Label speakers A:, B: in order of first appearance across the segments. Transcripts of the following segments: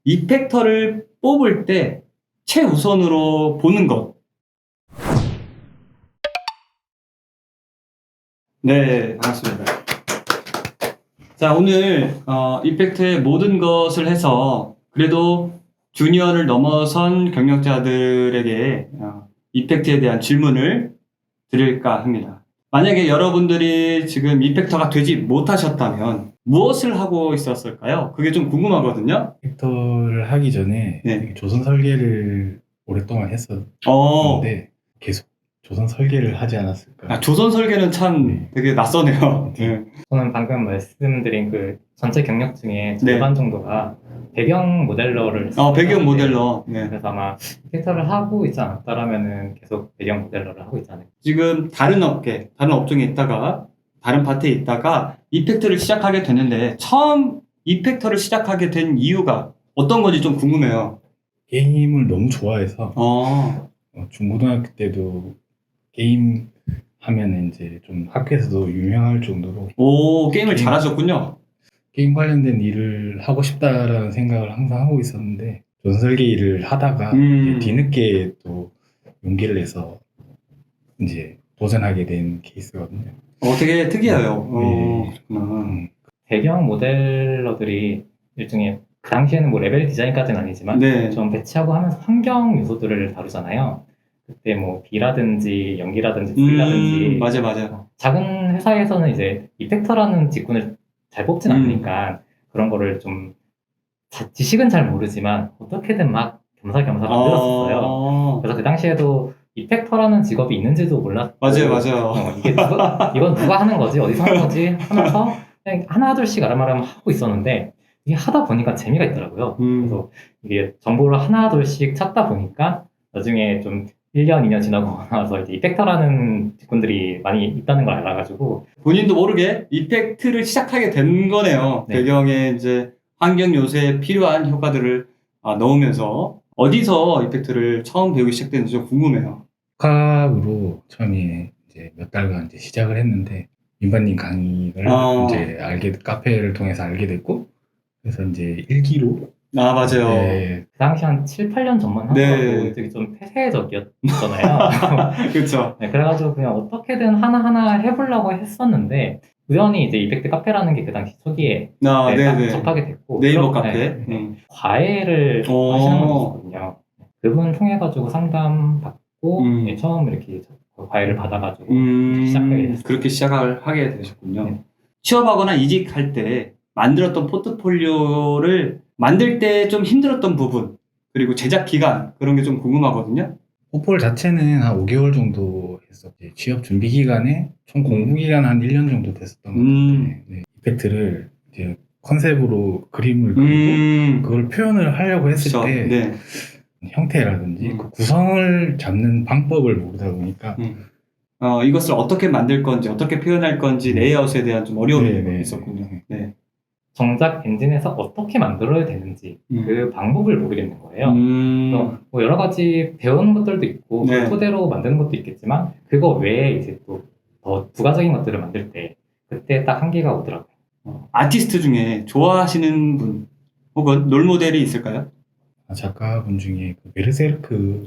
A: 이펙터를 뽑을 때 최우선으로 보는 것. 네, 반갑습니다. 자, 오늘 이펙트의 모든 것을 해서 그래도 주니어를 넘어선 경력자들에게 이펙트에 대한 질문을 드릴까 합니다. 만약에 여러분들이 지금 이펙터가 되지 못하셨다면 무엇을 하고 있었을까요? 그게 좀 궁금하거든요.
B: 벡터를 하기 전에
A: 네.
B: 조선 설계를 오랫동안 했었는데
A: 어,
B: 계속 조선 설계를 하지 않았을까.
A: 조선 설계는 참
B: 네.
A: 되게 낯서네요. 네.
C: 저는 방금 말씀드린 그 전체 경력 중에
A: 네.
C: 절반 정도가 배경 모델러를
A: 배경
C: 썼는데,
A: 모델러. 네.
C: 그래서 아마 텍스터를 하고 있지 않았다라면은 계속 배경 모델러를 하고 있지 않을까.
A: 지금 다른 업계, 다른 업종에 있다가 다른 파트에 있다가 이펙터를 시작하게 됐는데 처음 이펙터를 시작하게 된 이유가 어떤 건지 좀 궁금해요.
B: 게임을 너무 좋아해서 중고등학교 때도 게임 하면 이제 좀 학교에서도 유명할 정도로
A: 게임을 잘하셨군요.
B: 게임 관련된 일을 하고 싶다라는 생각을 항상 하고 있었는데 조선 설계 일을 하다가 이제 뒤늦게 또 용기를 내서 이제 도전하게 된 케이스거든요.
A: 되게 특이해요.
B: 네.
A: 그렇구나.
C: 배경 모델러들이 일종의 그 당시에는 뭐 레벨 디자인까지는 아니지만
A: 네.
C: 좀 배치하고 하면서 환경 요소들을 다루잖아요. 그때 뭐 비라든지 연기라든지 불이라든지
A: 맞아.
C: 작은 회사에서는 이제 이펙터라는 직군을 잘 뽑진 않으니까 그런 거를 좀 지식은 잘 모르지만 어떻게든 막 겸사겸사 만들었었어요. 그래서 그 당시에도 이펙터라는 직업이 있는지도 몰랐고
A: 맞아요.
C: 이건 누가 하는 거지? 어디서 하는 거지? 하면서 그냥 하나둘씩 아름아름 하고 있었는데 이게 하다 보니까 재미가 있더라고요. 그래서 이게 정보를 하나둘씩 찾다 보니까 나중에 좀 1년, 2년 지나고 나서 이제 이펙터라는 직군들이 많이 있다는 걸 알아가지고
A: 본인도 모르게 이펙트를 시작하게 된 거네요.
C: 네.
A: 배경에 이제 환경 요소에 필요한 효과들을 넣으면서 어디서 이펙트를 처음 배우기 시작됐는지 좀 궁금해요.
B: 독학으로 처음에 이제 몇 달간 이제 시작을 했는데 민반님 강의를 이제 카페를 통해서 알게 됐고 그래서 이제 일기로
A: 맞아요.
B: 네,
C: 그 당시 한 7, 8년 전만 하더라도 되게 좀 폐쇄적이었잖아요.
A: 그렇죠.
C: 네, 그래가지고 그냥 어떻게든 하나하나 해보려고 했었는데 우연히 이제 이펙트 카페라는 게 그 당시 초기에 딱 접하게 됐고
A: 네이버 카페.
C: 과외를 하시는 분이 있었거든요. 그분 통해가지고 상담 받고 처음 이렇게 과외를 받아가지고 시작하게 됐어요.
A: 그렇게 시작을 하게 되셨군요. 네. 취업하거나 이직할 때 만들었던 포트폴리오를 만들 때 좀 힘들었던 부분 그리고 제작 기간 그런 게 좀 궁금하거든요.
B: 포폴 자체는 한 5개월 정도 했었지. 취업 준비 기간에 총 공부 기간 한 1년 정도 됐었던 것 같은데 네, 이펙트를 이제 컨셉으로 그림을 그리고 그걸 표현을 하려고 했을 때 형태라든지 그 구성을 잡는 방법을 모르다 보니까
A: 이것을 어떻게 만들 건지 어떻게 표현할 건지 레이아웃에 대한 좀 어려움이 있었군요. 네.
C: 정작 엔진에서 어떻게 만들어야 되는지 그 방법을 모르겠는 거예요. 뭐 여러 가지 배우는 것들도 있고 그 토대로 만드는 것도 있겠지만 그거 외에 이제 또 더 부가적인 것들을 만들 때 그때 딱 한계가 오더라고요.
A: 아티스트 중에 좋아하시는 분 혹은 롤모델이 있을까요?
B: 작가분 중에 그 베르세르크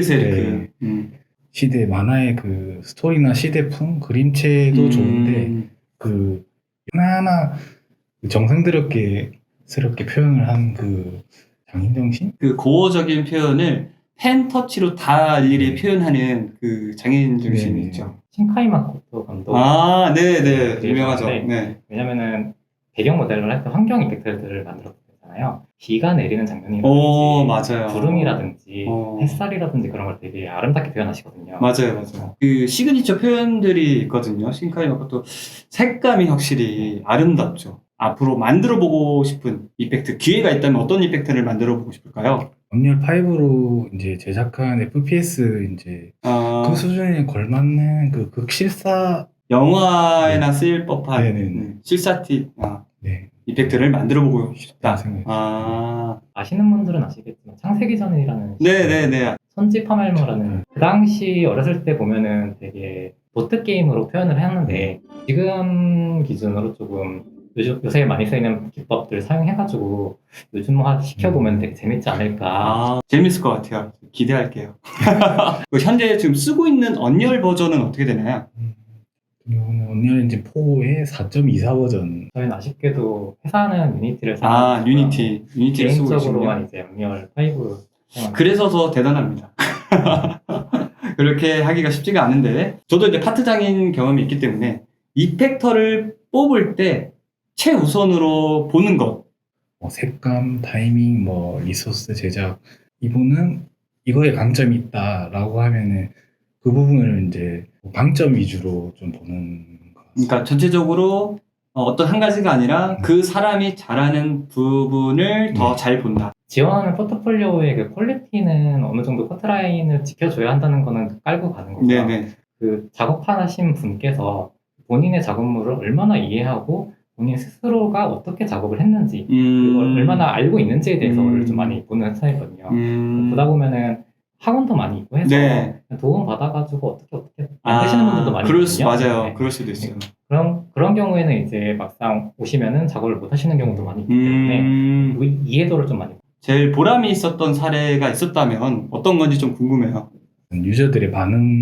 B: 시대 만화의 그 스토리나 시대풍 그림체도 좋은데 그 하나하나 정성스럽게 표현을 한 그 장인정신?
A: 그 고어적인 표현을 펜터치로 다 일일이 표현하는 그 장인정신이 있죠.
C: 신카이 마코토 감독.
A: 네네. 유명하죠. 네.
C: 왜냐면은 배경 모델을 할 때 환경 이펙트들을 만들었잖아요. 비가 내리는 장면이라든지
A: 맞아요.
C: 구름이라든지 햇살이라든지 그런 걸 되게 아름답게 표현하시거든요.
A: 맞아요. 그 시그니처 표현들이 있거든요. 신카이 마코토 색감이 확실히 아름답죠. 앞으로 만들어보고 싶은 이펙트 기회가 있다면 어떤 이펙트를 만들어보고 싶을까요?
B: 언리얼 5로 이제 제작한 FPS 이제 그 수준에 걸맞는 그 극실사
A: 영화에나 쓰일 법한 실사티 이펙트를 만들어보고 싶다.
C: 아시는 분들은 아시겠지만 창세기 전이라는
A: 네네네.
C: 선지 파멜모라는 그 당시 어렸을 때 보면은 되게 보트 게임으로 표현을 했는데 지금 기준으로 조금 요새 많이 쓰이는 기법들 사용해가지고 요즘화 시켜보면 되게 재밌지 않을까.
A: 아, 재밌을 것 같아요. 기대할게요. 현재 지금 쓰고 있는 언리얼 버전은 어떻게 되나요?
B: 이거는 언리얼 엔진 4의 4.24 버전.
C: 저희는 아쉽게도 회사는 유니티를
A: 아,
C: 사용하고
A: 유니티를 쓰고 계시군요.
C: 개인적으로만 이제 언리얼 5 사용합니다.
A: 그래서 더 대단합니다. 그렇게 하기가 쉽지가 않은데, 저도 이제 파트장인 경험이 있기 때문에 이펙터를 뽑을 때 최우선으로 보는 것.
B: 뭐 색감, 타이밍, 뭐 리소스 제작, 이분은 이거에 강점이 있다라고 하면은 그 부분을 이제 강점 위주로 좀 보는 것 같습니다.
A: 그러니까 전체적으로 어떤 한 가지가 아니라 그 사람이 잘하는 부분을 더 잘 본다.
C: 지원하는 포트폴리오의 그 퀄리티는 어느 정도 커트라인을 지켜줘야 한다는 거는 깔고 가는 거고요.
A: 네네.
C: 그 작업하신 분께서 본인의 작업물을 얼마나 이해하고 본인 스스로가 어떻게 작업을 했는지 그걸 얼마나 알고 있는지에 대해서를 좀 많이 보는 스타일이거든요. 보다 보면은 학원도 많이 있고 해서
A: 네.
C: 도움 받아가지고 어떻게 만드시는 분들도 많이 있거든요.
A: 맞아요.
C: 네.
A: 그럴 수도 있어요.
C: 그런 경우에는 이제 막상 오시면은 작업을 못 하시는 경우도 많이 있기 때문에 그 이해도를 좀 많이.
A: 제일 보람이 있었던 사례가 있었다면 어떤 건지 좀 궁금해요.
B: 유저들의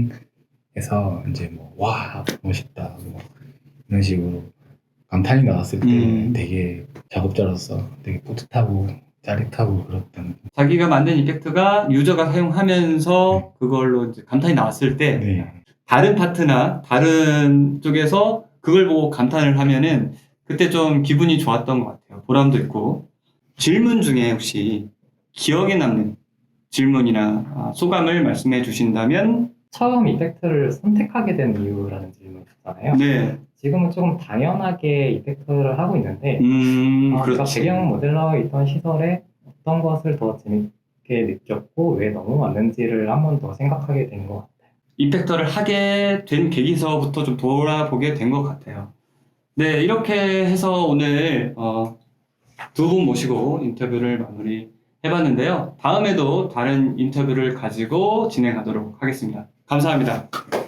B: 반응에서 이제 뭐 와 멋있다 뭐 이런 식으로 감탄이 나왔을 때 되게 작업자로서 되게 뿌듯하고 짜릿하고 그렇다는.
A: 자기가 만든 이펙트가 유저가 사용하면서 그걸로 이제 감탄이 나왔을 때
B: 네.
A: 다른 파트나 다른 쪽에서 그걸 보고 감탄을 하면은 그때 좀 기분이 좋았던 것 같아요. 보람도 있고. 질문 중에 혹시 기억에 남는 질문이나 소감을 말씀해 주신다면?
C: 처음 이펙트를 선택하게 된 이유라는 질문이 있었잖아요.
A: 네.
C: 지금은 조금 당연하게 이펙트를 하고 있는데 제가
A: 그렇지.
C: 배경 모델러에 있던 시설에 어떤 것을 더 재밌게 느꼈고 왜 넘어왔는지를 한 번 더 생각하게 된 것 같아요.
A: 이펙터를 하게 된 계기서부터 좀 돌아보게 된 것 같아요. 네, 이렇게 해서 오늘 두 분 모시고 인터뷰를 마무리 해봤는데요. 다음에도 다른 인터뷰를 가지고 진행하도록 하겠습니다. 감사합니다.